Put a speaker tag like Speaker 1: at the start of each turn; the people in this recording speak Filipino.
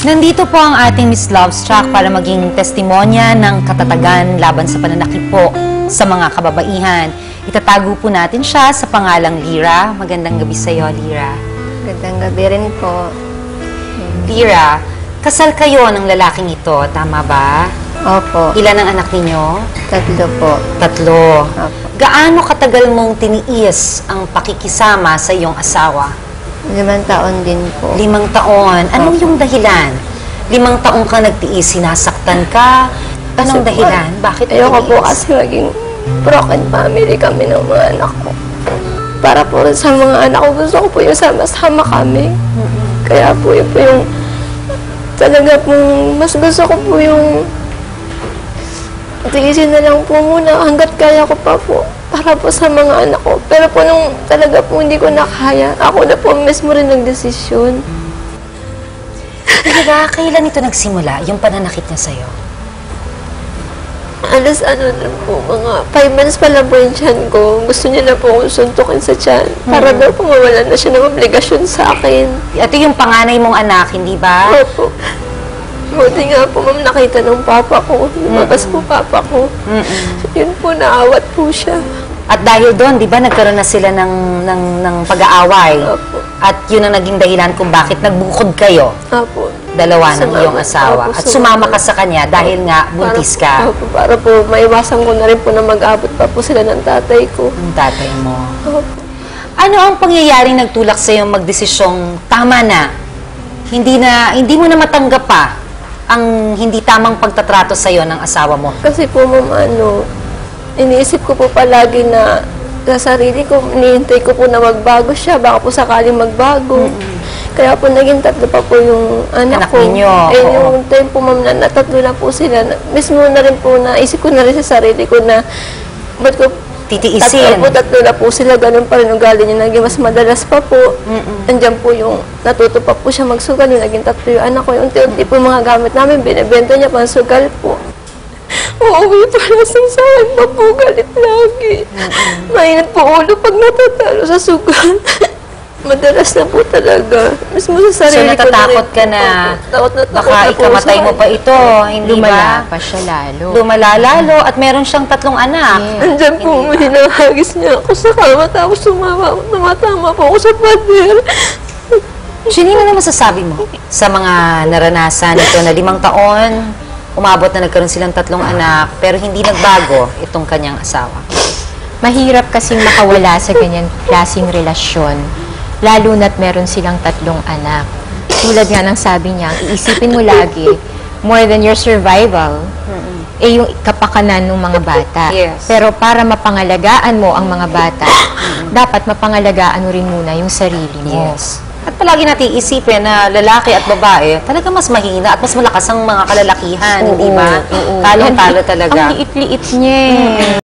Speaker 1: Nandito po ang ating Miss Lovestruck para maging testimonya ng katatagan laban sa pananakit po sa mga kababaihan. Itatago po natin siya sa pangalang Lyra. Magandang gabi sa iyo, Lyra.
Speaker 2: Magandang gabi rin po.
Speaker 1: Lyra, kasal kayo ng lalaking ito, tama ba?
Speaker 2: Opo.
Speaker 1: Ilan ang anak ninyo?
Speaker 2: 3 po.
Speaker 1: 3.
Speaker 2: Opo.
Speaker 1: Gaano katagal mong tiniis ang pakikisama sa iyong asawa?
Speaker 2: 5 taon din po.
Speaker 1: 5 taon. Anong yung dahilan? 5 taon ka nagtiis, sinasaktan ka? Anong dahilan? Bakit
Speaker 2: Ayoko po
Speaker 1: nagtiis?
Speaker 2: kasi maging broken family kami ng mga anak ko. Para po rin sa mga anak ko, gusto ko po yung sama-sama kami. Kaya po yun po yung talaga pong mas gusto ko po yung tiisin na lang po muna hanggat kaya ko pa po para po sa mga anak ko. Pero po nung talaga po hindi ko na kaya, ako na po mismo rin nagdesisyon.
Speaker 1: Talaga, kailan ito nagsimula, yung pananakit niya sa'yo?
Speaker 2: Alas ano na po, mga 5 months pa lang po yung tiyan ko. Gusto niya na po akong suntukin sa tiyan. Para daw po mawala na siya ng obligasyon sa akin.
Speaker 1: Ito yung panganay mong anak, hindi ba?
Speaker 2: Opo. Buti nga po, ma'am, nakita ng papa ko. Lumabas po papa ko. Yun po, naawat po siya.
Speaker 1: At dahil doon, di ba, nagkaroon na sila ng pag-aaway?
Speaker 2: Opo.
Speaker 1: At yun ang naging dahilan kung bakit nagbukod kayo,
Speaker 2: Opo.
Speaker 1: dalawa ng
Speaker 2: Sumama.
Speaker 1: iyong asawa.
Speaker 2: Opo,
Speaker 1: At sumama ka sa kanya dahil nga buntis ka
Speaker 2: Opo, para po, maiwasan ko na rin po na mag-abot pa po sila ng tatay ko.
Speaker 1: ng tatay mo.
Speaker 2: Opo.
Speaker 1: Ano ang pangyayaring nagtulak sa iyong magdesisyong tama na? Hindi mo na matanggap pa ang hindi tamang pagtatrato sa iyo ng asawa mo.
Speaker 2: Kasi po, ma'am, iniisip ko po palagi na sa sarili ko, hinihintay ko po na magbago siya, baka po sakaling magbago. Kaya po, naging 3 pa po yung anak ko.
Speaker 1: ninyo,
Speaker 2: Eh,
Speaker 1: oo.
Speaker 2: yung time po, ma'am, na 3 na po sila, mismo na rin po, naisip ko na rin sa sarili ko na, ba't ko
Speaker 1: Titiisin.
Speaker 2: 3 na po sila, ganun pa rin ugali niya, naging mas madalas pa po. Andiyan po yung natuto pa po siya magsugal, yung naging 3 yung anak ko, yung unti-unti po yung mga gamit namin, binibenta niya pang sugal po. Uuwi pa lasang sa akin, mapugalit lagi. Mainit po ulo pag natatalo sa sugal. Madalas na po talaga. Mismo sa
Speaker 1: So,
Speaker 2: sarili ko
Speaker 1: natatakot
Speaker 2: rin
Speaker 1: ka na
Speaker 2: Takot na takot
Speaker 1: baka
Speaker 2: na po
Speaker 1: ikamatay
Speaker 2: sa
Speaker 1: mo pa ito, hindi
Speaker 3: Lumala
Speaker 1: ba?
Speaker 3: pa siya lalo.
Speaker 1: Lumala lalo at meron siyang 3 anak.
Speaker 2: Andyan po, hinahagis niya ako sa kama, tapos tumatama po ako sa pader.
Speaker 1: Sino na masasabi mo sa mga naranasan ito na 5 taon, umabot na nagkaroon silang 3 anak, pero hindi nagbago itong kanyang asawa?
Speaker 3: Mahirap kasing makawala sa ganyan klaseng relasyon, lalo na't meron silang 3 anak. Tulad nga ng sabi niya, iisipin mo lagi, more than your survival, eh yung kapakanan ng mga bata.
Speaker 1: Yes.
Speaker 3: Pero para mapangalagaan mo ang mga bata, dapat mapangalagaan mo rin muna yung sarili mo.
Speaker 1: Yes. At palagi natin isipin na lalaki at babae, talaga mas mahina at mas malakas ang mga kalalakihan, hindi ba? Talong-talo talaga.
Speaker 3: Ang liit-liit niya eh.